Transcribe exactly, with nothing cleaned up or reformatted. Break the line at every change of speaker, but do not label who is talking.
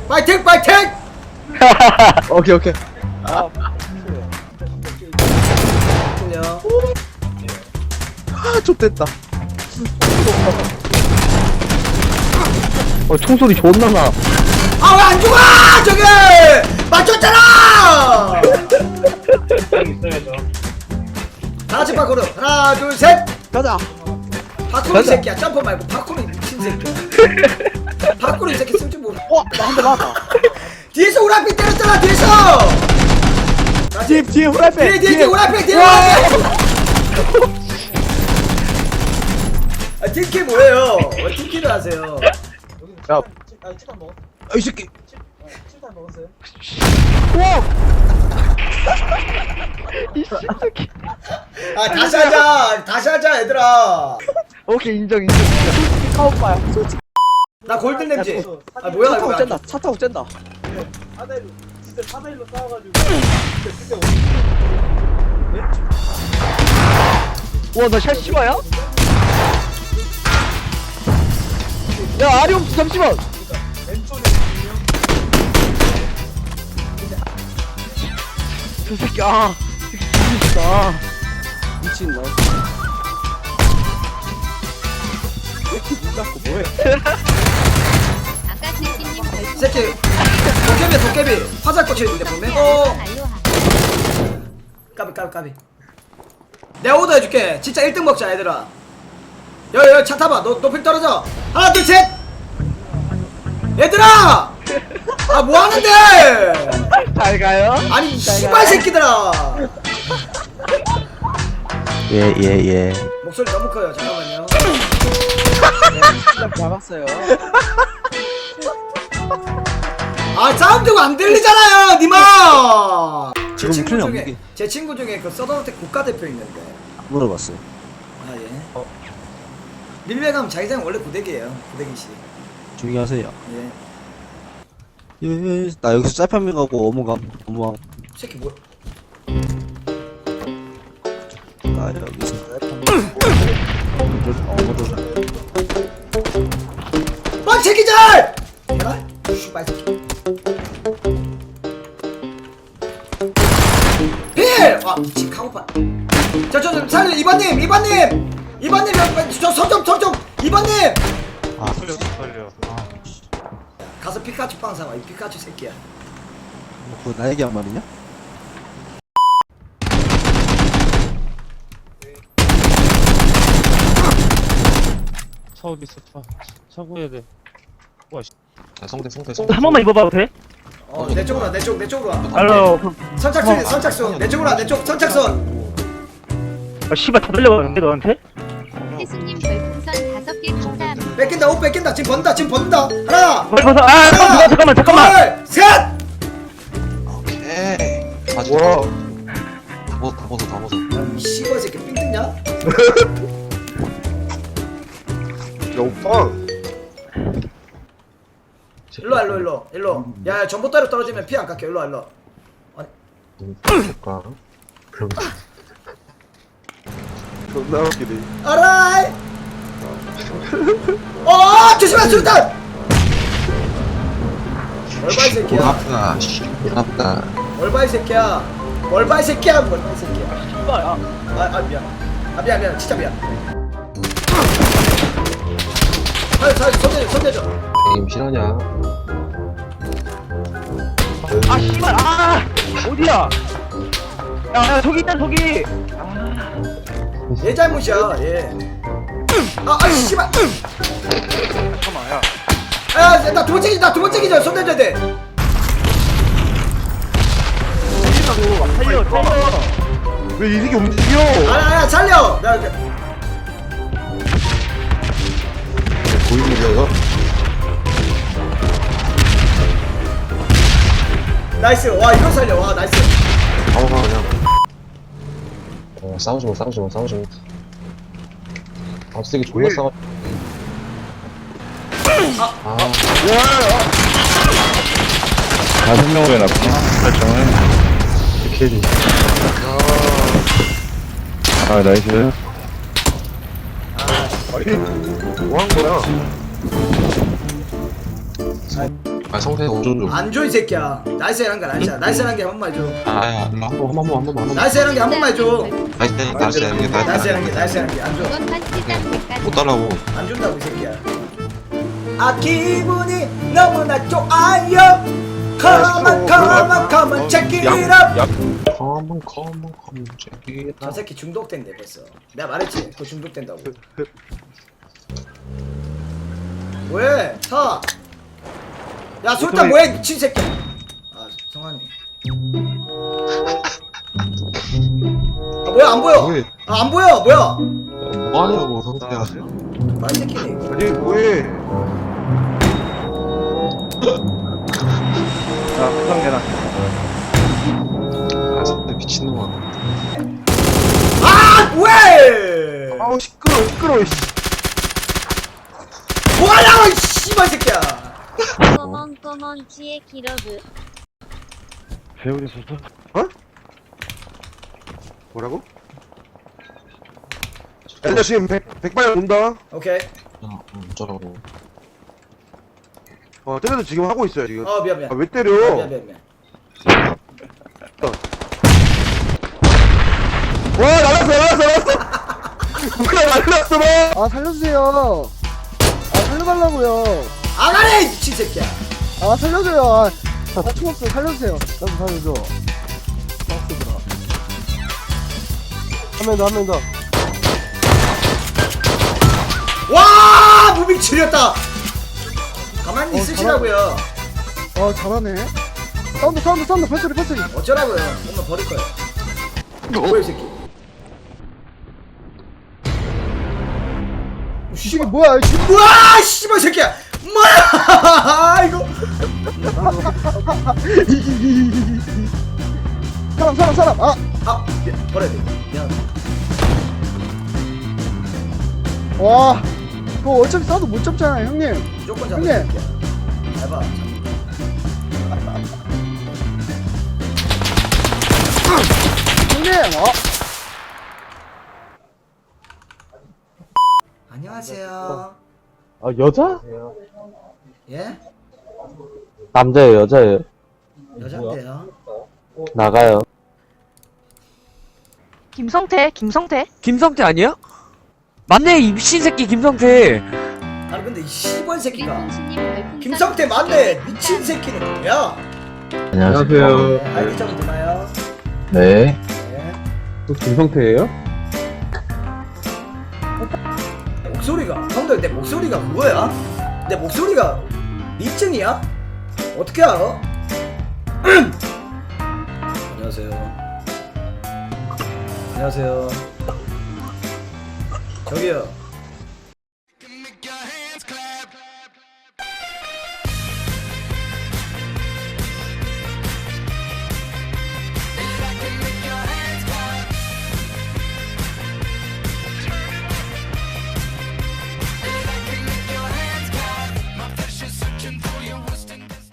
파이팅 파이팅.
오케이 오케이.
아,
그냥
아 좆됐다.
어 총소리 존나 나.
아 왜 안 죽어 저게 맞췄잖아. 다같이 파쿠르 하나 둘셋
가자.
파쿠르 이 새끼야 점프 말고 파쿠르 미친 새끼야. 파쿠르 이 새끼 쓸 줄 모르.
어, 나 한 대 맞았다.
뒤에서 우라피 때렸잖아 뒤에서.
뒤에 뒤에 후라이팬.
뒤에 뒤에 뒤에 우라피 뒤에 우라피. 아 팀킬 뭐예요? 왜 팀킬을 하세요?
야,
아, 치킨 먹었어.
아, 이 새끼.
치킨 먹었어요?
아 다시 하자 다시 하자 얘들아.
오케이 인정 인정.
카오빠야.
나 골든 램지. 아 뭐야
차 타고
이거.
짠다. 차 타고 짠다.
사대일로 진짜 사대일로 싸워가지고 그때
와나 샷 실화야? 야 아리움 잠시만.
왼쪽에
저 새끼 아. 진짜.
미친 나. 왜 이렇게 눈 감고 뭐해?
아까 진진님 별풍선
새끼 도깨비 도깨비 화살 꽂혀 있는데 보면. 어 까비 까비 까비. 내가 오더 해줄게. 진짜 일 등 먹자 얘들아. 여여 차 타봐. 너 높이 떨어져. 하나 둘 셋. 얘들아. 아 뭐하는데.
잘 가요.
아니 씨발 새끼들아.
예, 예, 예.
목소리 너무 커요. 잠깐만요.
딱 잡았어요.
아 사운드가 안 들리잖아요 니마. 제
지금
친구
큰일
중에
없는
제 친구 중에 그 서든어택 국가대표 있는데.
물어봤어요.
아 예. 밀배 가면 자기장 원래 구대기예요. 구대기씨.
조용히 하세요.
예.
예, 나 여기서 짤파밍 가고 어묵함, 어묵함.
새끼 뭐?
나 여기서 짤파밍 가고 어묵을.
뻔치 기절! 해라? 씨발 새끼. 필! 아 미친 카고파. 저저 저 살려 이번님 이번님 이번님 저 서점 서점 이번님.
아,
가서 피카츄 빵 사와 이 피카츄 새끼야.
그거 나에게 한 말이냐?
차 어디 있어? 차, 차 구해야 돼. 와, 씨.
아, 성대 성대 성대
한 번만 입어봐도 돼?
어내 쪽으로 와 내 쪽 내 쪽으로 와.
알로.
선착순 선착순 내 쪽으로 와내 쪽 선착순.
아 씨발 다 들려가는데 너한테?
태수님 별풍선 다섯 개 감사합니다.
뺏긴다 옷 뺏긴다 지금 번다 지금 번다 하나
빨리 벗어. 아 잠깐만 잠깐만 잠깐만.
둘 셋.
오케이 아직
와.
다 벗어 다 벗어 다 벗어
이 씨발 새끼 삥 뜯냐?
야 오빠.
일로 와 일로 일로 일로. 야 전봇대로 떨어지면 피 안 깎여. 일로 와 일로.
볼까
존나 웃기네.
알아이. 어 조심해 수류탄. 얼바 이 새끼야.
아프다 씨 아프다
얼바 이 새끼야. 얼바 이 새끼야. 얼바 이 새끼야.
씨발야.
아, 아 미안. 아 미안 미안 진짜 미안. 아, 자, 손대 손대줘.
게임 실화냐
아 씨발 아 어디야? 야, 야 저기 있다 저기.
얘 잘못이야. 얘. 아, 아 씨발.
잠깐만 야.
아, 나 두 번째 기, 나 두 번째 기절 손대줘야 돼.
살리라고 살려 살려.
왜 이 새끼 움직여?
아니 아니 살려. 나 나-
보이는 이거
나이스. 와 이거 살려. 와 나이스.
바로 가 그냥 어 싸우지 마 싸우지 마 싸우지 마 아, 쓰기 존나 싸워 아
다섯 명을 해놨구나. 설정을.
캐리
아, 나이스.
뭐 한 거야?
아 성태 오존 좀.
안 줘 이 새끼야. 나이스한 거 나이스. 나이스한 게 한 번만 해줘.
아야 한번 한번 한번 한번 한번.
나이스한 게 한 번만 해줘.
나이스 나이스 나이스
나이스한 게
나이스.
나이스한 게 안 줘.
이것만 시작까지
못 따라고.
안 준다고 이 새끼야. 아 기분이 너무나 좋아요. Come on, come on, come on, check it up.
Come on, come on, come on, check it
저
out.
새끼 중독된대 벌써. 내가 말했지. 그거 중독된다고. 왜? 타. 야 술탄 뭐해 미친 새끼. 아 성환이. 아 뭐야 안 보여.
왜?
아 안 보여 뭐야.
뭐 하냐고 성태야.
아 이 새끼네.
아니 뭐해?
자 구성계단.
아 성태 미친놈아.
아 왜?
아우 시끄러 시끄러 씨.
뭐하냐고 이 씨발 새끼야.
꼬먼꼬먼치의 기러브
배우리 소설.
뭐라고? 애들 지금 백 백발 온다.
오케이.
어, 어쩌라고.
어 때려도 지금 하고 있어요 지금.
어 미안 미안.
아 왜
아,
때려?
미안 미안 미안.
와 날랐어 날랐어 날랐어. 누가 날랐어 너?
아 살려주세요. 아 살려달라고요.
안 하네 이 미친 새끼야.
아 살려줘요. 아, 아 총없어 살려주세요. 나도 살려줘. 한 명 더 한 명 더.
와 무빙 지렸다. 가만히
어,
있으시라고요.
어 잘하네. 사운드 사운드 사운드 발소리 발소리.
어쩌라고요. 엄마 버릴 거예요. 뭐야 이 새끼.
이게 뭐야? 이 씨.
뭐야 씨발 새끼야. 뭐야 이거.
사람 사람 사람. 아
아 미안, 버려야 돼. 미안.
와. 그거 어차피 사운드 못 잡잖아요 형님.
무조건 잡아.
형님.
새끼야. 해봐.
형님. 어.
안녕하세요.
아 여자?
예?
남자예요 여자예요?
여잔데요.
나가요.
김성태, 김성태.
김성태 아니야? 맞네 이 미친 새끼 김성태.
아니 근데 이 씨발 새끼가.
리풍신님 별풍선
김성태 맞네. 미친 새끼는 뭐야?
안녕하세요.
아이디 좀 드나요?
네.
네.
또 김성태예요?
목소리가 형들 내 목소리가 그거야? 내 목소리가 미증이야? 어떻게 알아? 안녕하세요. 안녕하세요. 저기요.